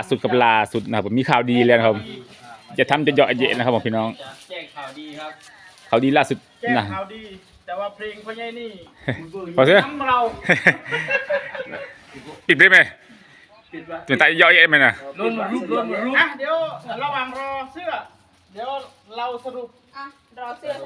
สุดกับล่าสุดนะครับผมมีข่าวดีแล้วนะครับจะทำจะเยาะเยะนะครับผมพี่น้องแจ้งข่าวดีครับข่าวดีล่าสุดแจ้งนะข่าวดีแต่ว่าเพลงพ่อใหญ่นี่พอเถอะน้ำเราปิดได้ไหมปิดไว้เป็นตาเยาะเยะไหมนะรุ่นรูปอ่ะเดี๋ยวระหว่างรอเสื้อ เดี๋ยวเราสรุปอ่ะรอเสื้อ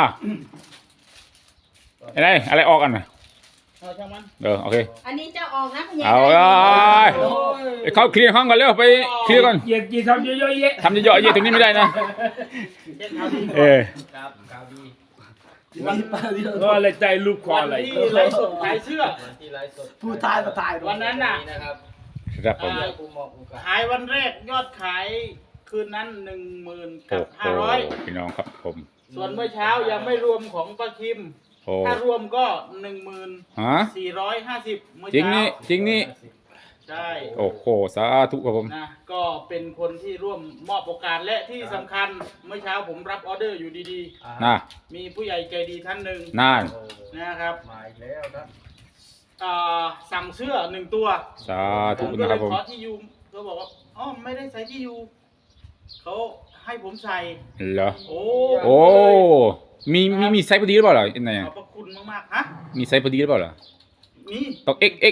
อะไรออกกันนะเอาช่างมันโอเคอันนี้จะออกนะคุณยายเอาเลยเขาเคลียร์ห้องก่อนเร็วไปเคลียร์ก่อนอย่าทำเยอะๆแยะทำจะเยาะเยะตรงนี้ไม่ได้นะแจ้งข่าวดีครับข่าวดีก็อะไรใจลูกคอวันอะไรที่ไลฟ์สดขายเสื้อวันที่ไลฟ์สดผู้ทายมาถ่ายวันนั้นน่ะนะครับครับผมกูมองกูกันขายวันแรกยอดขายคืนนั้น10,000 โอ้กับโห 500 พี่น้องครับผมส่วนเมื่อเช้ายังไม่รวมของป้าคิมโอ้ถ้ารวมก็ฮะ 1450เมื่อจริงเช้านี่จริงนี่ใช่โอ้โหสาธุครับผมนะก็เป็นคนที่ร่วมมอบโอกาสและที่สำคัญเมื่อเช้าผมรับออเดอร์อยู่ดีน่าๆ มีผู้ใหญ่ใจดีท่านหนึ่งน่านนะครับมาอีกแล้วครับสั่งเสื้อ1 ตัวสาผธุมก็นะเลครับยผมขอที่อยู่เขาบอกว่าอ๋อไม่ได้ใส่ที่อยู่เขาให้ผมใส่เหรอโอ้โอ้มีไซส์พอดีหรือเปล่าล่ะยังไงขอบพระคุณมากๆฮะมีไซส์พอดีหรือเปล่าล่ะมีต้อง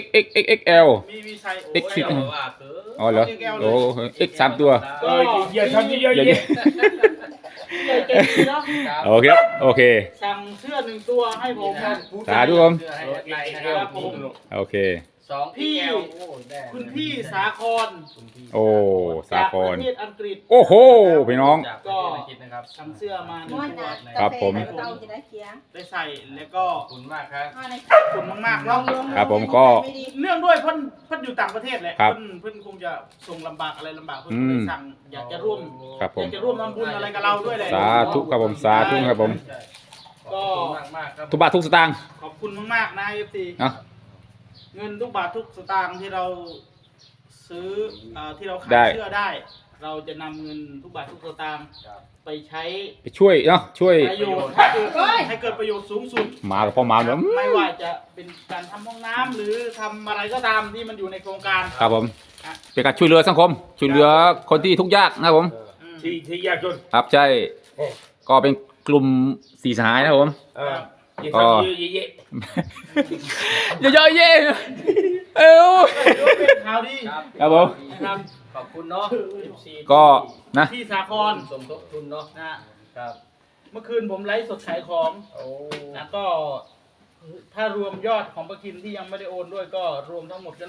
XXXXXL มีใส่โอ้ X สิบยว่าคืออ๋อเหรอโอ้X 3 ตัวอย่าทำเยอะเยๆอะใหญ่ใจดีเนาะๆโอเคครับโอเคสั่งเสื้อ1 ตัวให้ผมสาธุผมเสื้อให้แอดไลน์นะครับโอเค 2 พี่ PL โอ้ได้คุณพี่สาครคุณพี่โอ้สาจากคปรระเทศอังกฤษโอ้โหพี่น้องจากประเทศอังกฤษนะครับทำเสื้อมาหนึ่ม้งวนตัวนะครับผมเตาจะได้เคียงได้ใส่แล้วก็ขอบคุณมากครับเอาในขอบคุณมากๆเนาะครับผมก็ไม่ดีเนื่องด้วยเพิ่นอยู่ต่างประเทศแหละครับเพิ่นคงจะส่งลำบากอะไรลำบากเพิ่นอืก็มเลยสั่งอยากจะร่วมครับผอมยากจะร่วมทำบุญอะไรกับเราด้วยแหละสาธุครับผมสาธุครับผมขอบคุณมากๆครับทุกบาททุกสตางค์ขอบคุณมากๆนะ FC เนาะเงินทุกบาททุกสตางค์ที่เราซื้อที่เราขาได้ยเสื้อได้ เราจะนำเงินทุกบาททุกสตางค์ไปใช้ไปช่วยเนาะช่วยประโยชน์ให้เกิดประโยชน์สูงสุดหมากับพ่อหมาเนาะไม่ว่าจะเป็นการทำห้องน้ำหรือทำอะไรก็ตามที่มันอยู่ในโครงการครับผมเป็นการช่วยเหลือสังคม ช่วยเหลือคนที่ทุกข์ยากนะครับผมอืมที่ยากจนครับใช่ก็เป็นกลุ่มสี่สหายนะครับผมอย่าทำเยอะเยอะๆเย่เอวถือว่าเป็นข่าวดีครับผมนะครับขอบคุณเนาะ FC ก็นะที่สาครสมทบทุนเนาะนะครับ เมื่อคืนผมไลฟ์สดขายของโอ้นะก็ถ้ารวมยอดของประกินที่ยังไม่ได้โอนด้วยก็รวมทั้งหมดก็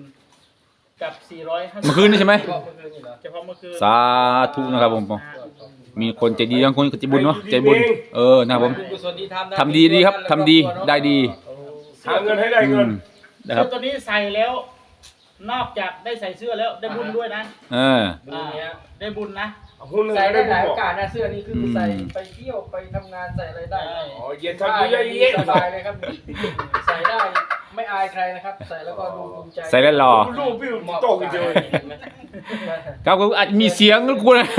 10,000กับ450 เมื่อคืนนี่ใช่ไหมก็เมื่อคืนนี่เหรอเฉพาะเมื่อคืนสาธุนะครับผมนะมีคนใจดีบางคนก็ใจบุญเนาะใจบุญนะครับผมกุศลที่ทำนะทำดีดีครับทำดีได้ดีๆหาเงินให้ได้เงินนะครัเสื้บอตัวนี้ใส่แล้ว นอกจากได้ใส่เสื้อแล้วได้บุญด้วยนะดูเนี้ยได้บุญนะหุ้นหนึ่งใส่ได้ได้หบุลายญโอกาสนะเสื้อนี้คือใส่ไปเที่ยวไปทำงานใส่อะไรได้อ๋ออย่าทำเยอะๆสบายเลยครับใส่ได้ไม่อายใครนะครับ ใส่แล้วก็ดูภูมิใจใส่แล้วหล่อรูปพี่โตกันเจอครับก็อาจมีเสียงก็กูนะ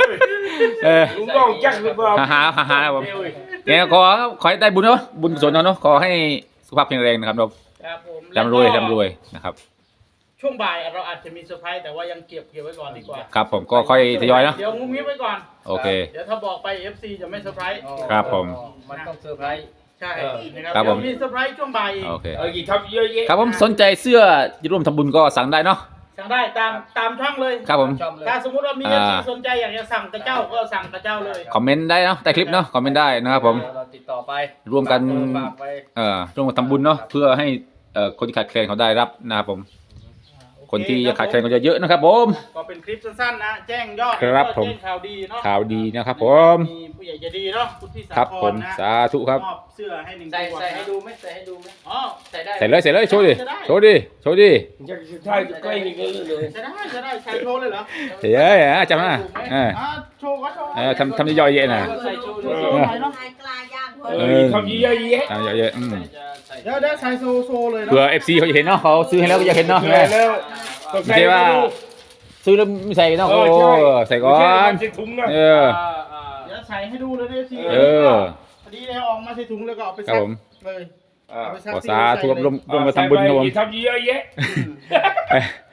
ลุงน้องแจ็คหรือเปล่าหาครับผมเนี่ยขอให้ได้บุญเนาะบุญกุศลเนาะขอให้สุขภาพแข็งแรงนะครับเราครับผมร่ำรวยนะครับช่วงบ่ายเราอาจจะมีเซอร์ไพรส์แต่ว่ายังเก็บไว้ก่อนดีกว่าครับผมก็ค่อยทยอยนะเดี๋ยวงุ้มงิ้มไว้ก่อนโอเคเดี๋ยวถ้าบอกไป FC จะไม่เซอร์ไพรส์ครับผมมันต้องเซอร์ไพรส์ใช่นะครัครับ บผเดี๋มยวมีเซอร์ไพรส์ช่วงบ่ายอีกโอเคกี่ทำเยอะๆครับผมสนใจเสื้อจะร่วมทำบุญก็สั่งได้เนาะสั่งได้ตามช่องเลยครับผมชอบเลยถ้าสมมติว่ามี FC สนใจอยากจะสั่งกระเจ้าก็สั่งกระเจ้าเลยคอมเมนต์ได้เนาะใต้คลิปเนาะคอมเมนต์ได้นะครับผมเราติดต่อไปร่วมกันฝากไปร่วมกันทำบุญเนาะเพื่อให้คนที่ขาดแคลนเขาได้รับนะครับผมคนที่ยังขาดแคลนก็จะเยอะนะครับผมก็เป็นคลิปสั้นๆนะ แจ้งยอดครับแล้วก็ผมแจ้งข่าวดีเนาะข่าวดีนะครับผมมีผู้ใหญ่ใจดีเนาะคุณพี่สาครับคผรมนะสาธุครับมอบเสื้อให้1 ใส่ตัวใส่ให้ดูไหมใส่ให้ดูไหมอ๋อใส่ได้ใส่เลยโชว์ดิโชว์ดิโชว์ดิจะใช่ใกล้นี่ก็เลยจะได้ใช้โชว์เลยเหรอเฮ้ยจำนะโชว์ก็โชว์ทำย่อยๆเยอะนะใส่โชว์โชด้วยว์หน่อยเนาะลายกลายย่างเพิ่มทำเยอะทำย่อยๆเดี๋ยวใส่โชว์เลยเนาะเผื่อ FC เขาจะเห็นเนาะเขาซื้อให้แล้วก็จะเห็นเนาะๆแล้วไม่ใช่ว่าซื้อแล้วไม่ใส่เนาะโอ้ใส่ก่อนใส่ถุงนะเออเดี๋ยวใส่ให้ดูเลยนะพี่เออพอดีเลยออกมาใส่ถุงแล้วก็เอาไปครัซับกผมเลยเอาไปซักขอสาธุร่วมกันทำบุญครับผมทำเยอะแยะ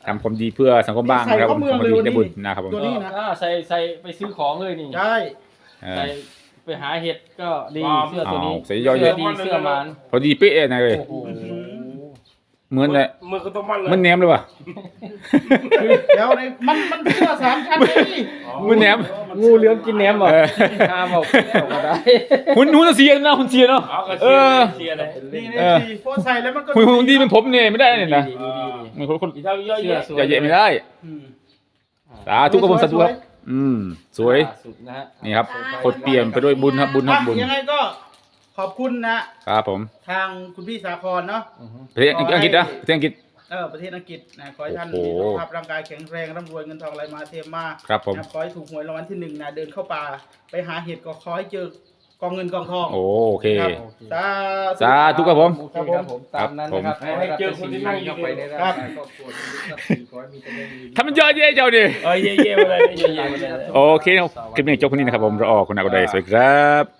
ทำความดีเพื่อสังคมบ้างนะครับผมทำความดีได้บุญนะครับผมตัวนี้นะใส่ไปซื้อของเลยนี่ใช่เอใส่อไปหาเห็ดก็ดีเสื้อตัวนี้อ้าวใส่ย่อยเยเสื้อะอดีเสื้อมันพอดีเป๊ะนะเลยโอ้โหเหมือนเลยมือก็ต้องมันเลยมันแหนมเลยว่ะเดี๋ยวในมันเสื้อ3 ชั้นเลยมันแหนมงูเหลือมกินแหนมเหรอเออห้ามบอกก็ได้หุ่นเสียนะหุ่นเสียเนาะเอาก็เอเชียอร์เลยนี่เออสีโพสใส่แล้วมันก็หุ่นดีเป็นผมเนี่ยไม่ได้เนี่ยนะดีดีมีคนอีเท่าเยอะเสื้อแยะสวยอย่าเยะไม่ได้อืมสาธุกับผมสาธุครับสวยสุดนะฮะนี่ครับกดเปลี่ยนไปด้วยบุญครับบุญครับบุญยังไงก็ขอบคุณนะครับผมทางคุณพี่สาครเนาะประเทศอังกฤษนะประเทศอังกฤษประเทศอังกฤษนะขอให้ท่านโอ้มีโหสุขภาพร่างกายแข็งแรงร่ำรวยเงินทองไหลมาเทมาครับผมนะขอให้ถูกหวยรางวัลที่1นะเดินเข้าป่าไปหาเห็ดก็ขอให้เจอกองเงินกองทองโอเคครับโอเคสาธุสาธุครับผมโอเคครับผมตามนั้นนะครับให้เจอคนที่นั่งอยู่ไปในเนี่ยร่างกายครอบครัวทุกท่านขอให้มีแต่เรื่องดีทำมันเยอะแยะเจ้าดิเออเย่ๆมาเลยเย่ๆมาเลยโอเคนะครับคลิปนี้จบคนนี้นะครับผมรอออกคุณอากุไดสวัสดีครับ